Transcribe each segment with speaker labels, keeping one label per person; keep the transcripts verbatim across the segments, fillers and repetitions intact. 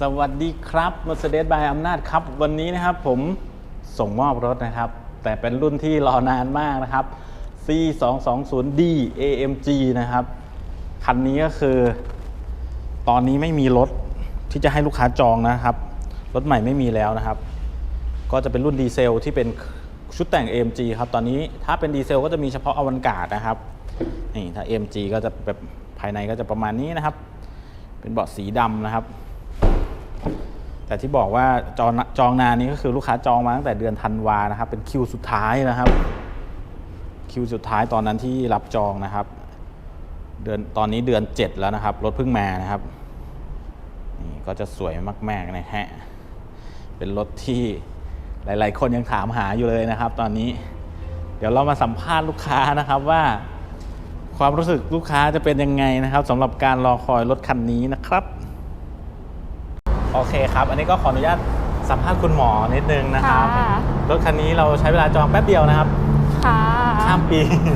Speaker 1: สวัสดีครับ Mercedes by อำนาจครับวันนี้นะครับผมส่งมอบรถนะครับแต่เป็นรุ่นที่รอนานมากนะครับ ซี สอง สอง ศูนย์ ดี เอ เอ็ม จี นะครับคันนี้ก็คือตอนนี้ไม่มีรถที่จะให้ลูกค้าจองนะครับรถใหม่ไม่มีแล้วนะครับก็จะเป็นรุ่นดีเซลที่เป็นชุดแต่ง เอ เอ็ม จี ครับตอนนี้ถ้าเป็นดีเซลก็จะมีเฉพาะอวันการ์ดนะครับนี่ถ้า เอ็ม จี ก็จะแบบภายในก็จะประมาณนี้นะครับเป็นเบาะสีดำนะครับแต่ที่บอกว่าจองจองนานนี้ก็คือลูกค้าจองมาตั้งแต่เดือนธันวานะครับเป็นคิวสุดท้ายนะครับคิวสุดท้ายตอนนั้นที่รับจองนะครับเดือนตอนนี้เดือนเจ็ดแล้วนะครับรถเพิ่งมานะครับนี่ก็จะสวยมากๆนะฮะเป็นรถที่หลายๆคนยังถามหาอยู่เลยนะครับตอนนี้เดี๋ยวเรามาสัมภาษณ์ลูกค้านะครับว่าความรู้สึกลูกค้าจะเป็นยังไงนะครับสำหรับการรอคอยรถคันนี้นะครับโอเคครับอันนี้ก็ขออนุญาตสัมภาษณ์คุณหมอนิดนึงนะครับรถคันนี้เราใช้เวลาจองแป๊บเดียวนะครับ
Speaker 2: ค่ะ
Speaker 1: ข้ามปี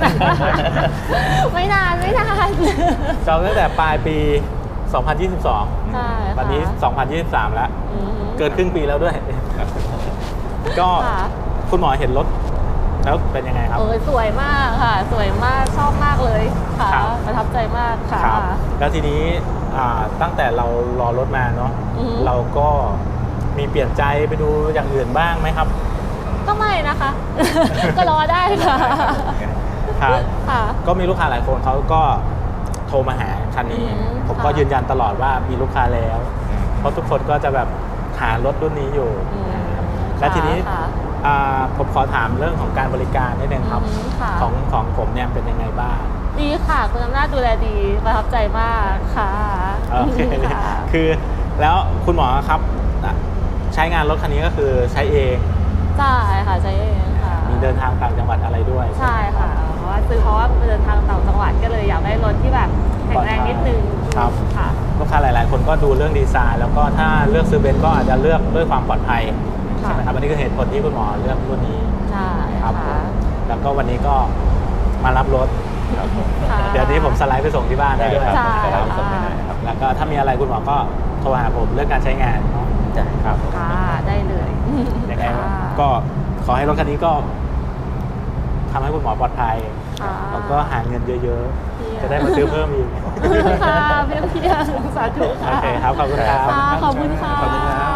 Speaker 2: ไม่นานไม่นาน
Speaker 1: จองตั้งแต่ปลายปี สองพันยี่สิบสอง
Speaker 2: ใช่
Speaker 1: วันนี้ สองพันยี่สิบสาม แล้วเกินครึ่งปีแล้วด้วย ก็คุณหมอเห็นรถแล้วเป็นยังไงครับ
Speaker 2: เออสวยมากค่ะสวยมากชอบมากเลยค่ะประทับใจมากค่ะ
Speaker 1: แล้วทีนี้ตั้งแต่เรารอรถมาเนาะเราก็มีเปลี่ยนใจไปดูอย่างอื่นบ้างไหมครับ
Speaker 2: ก็ไม่นะคะก็รอได้ค่ะ
Speaker 1: ครับก็มีลูกค้าหลายคนเขาก็โทรมาหาคันนี้ผมก็ยืนยันตลอดว่ามีลูกค้าแล้วเพราะทุกคนก็จะแบบหารถรุ่นนี้อยู่และทีนี้ผมขอถามเรื่องของการบริการนิดนึงครับของของผมเนี่ยเป็นยังไงบ้าง
Speaker 2: ดีค่ะคุณอำนาจดูแลดีประทับใจมากค่ะ
Speaker 1: โอเคคือแล้วคุณหมอครับใช้งานรถคันนี้ก็คือใช้เอง
Speaker 2: ใช่ค่ะใช้เองค่ะ
Speaker 1: มีเดินทางต่างจังหวัดอะไรด้วย
Speaker 2: ใช่ค่ะเพราะว่าซื้อเพราะว่าเดินทางต่างจังหวัดก็เลยอยากได้รถที่แบบแข็งแรงนิดนึง
Speaker 1: ครับ
Speaker 2: ค่ะ
Speaker 1: ลูกค้าหลายๆคนก็ดูเรื่องดีไซน์แล้วก็ถ้าเลือกซื้อเบนซ์ก็อาจจะเลือกด้วยความปลอดภัยใช่ไหมครับอันนี้คือเหตุผลที่คุณหมอเลือกรุ่นนี้
Speaker 2: ใช่
Speaker 1: ครับแล้วก็วันนี้ก็มารับรถเดี๋ยวนี้ผมสไลด์ไปส่งที่บ้านได้ด้วย
Speaker 2: ครับ
Speaker 1: แล้วก็ถ้ามีอะไรคุณหมอก็โทรหาผมเรื่องการใช้งานเนาะ
Speaker 2: ครับค่ะได้เลย
Speaker 1: ยังไงก็ขอให้รถคันนี้ก็ทำให้คุณหมอปลอดภัยแล้วก็หาเงินเยอะๆจะได้มาซื้อเพิ่มอีก
Speaker 2: ค่ะเพียงเพียงสาธุค่ะ
Speaker 1: โอเคครับขอบคุณครับ
Speaker 2: ขอบคุณค่ะ
Speaker 1: ขอบคุณครับ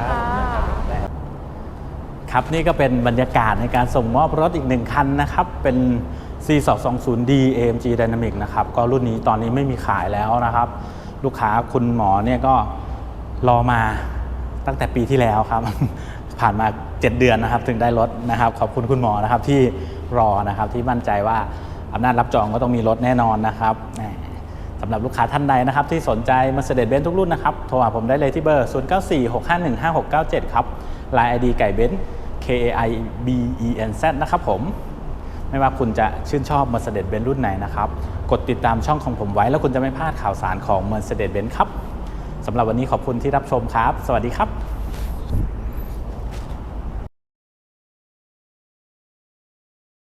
Speaker 1: ครับนี่ก็เป็นบรรยากาศในการส่งมอบรถอีกหนึ่งคันนะครับเป็น ซี สอง สอง ศูนย์ ดี เอ เอ็ม จี Dynamic นะครับก็รุ่นนี้ตอนนี้ไม่มีขายแล้วนะครับลูกค้าคุณหมอเนี่ยก็รอมาตั้งแต่ปีที่แล้วครับผ่านมาเจ็ดเดือนนะครับถึงได้รถนะครับขอบคุณคุณหมอนะครับที่รอนะครับที่มั่นใจว่าอำนาจรับจองก็ต้องมีรถแน่นอนนะครับสำหรับลูกค้าท่านใดนะครับที่สนใจ Mercedes-Benz ทุกรุ่นนะครับโทรหาผมได้เลยที่เบอร์ศูนย์ เก้า สี่ หก ห้า หนึ่ง ห้า หก เก้า เจ็ดครับ ไลน์ ไอ ดี ไก่เบนซ์ เค เอ ไอ บี อี เอ็น แซด นะครับผมไม่ว่าคุณจะชื่นชอบ Mercedes-Benz รุ่นไหนนะครับกดติดตามช่องของผมไว้แล้วคุณจะไม่พลาดข่าวสารของ Mercedes-Benz ครับสำหรับวันนี้ขอบคุณที่รับชมครับสวัสดีครับ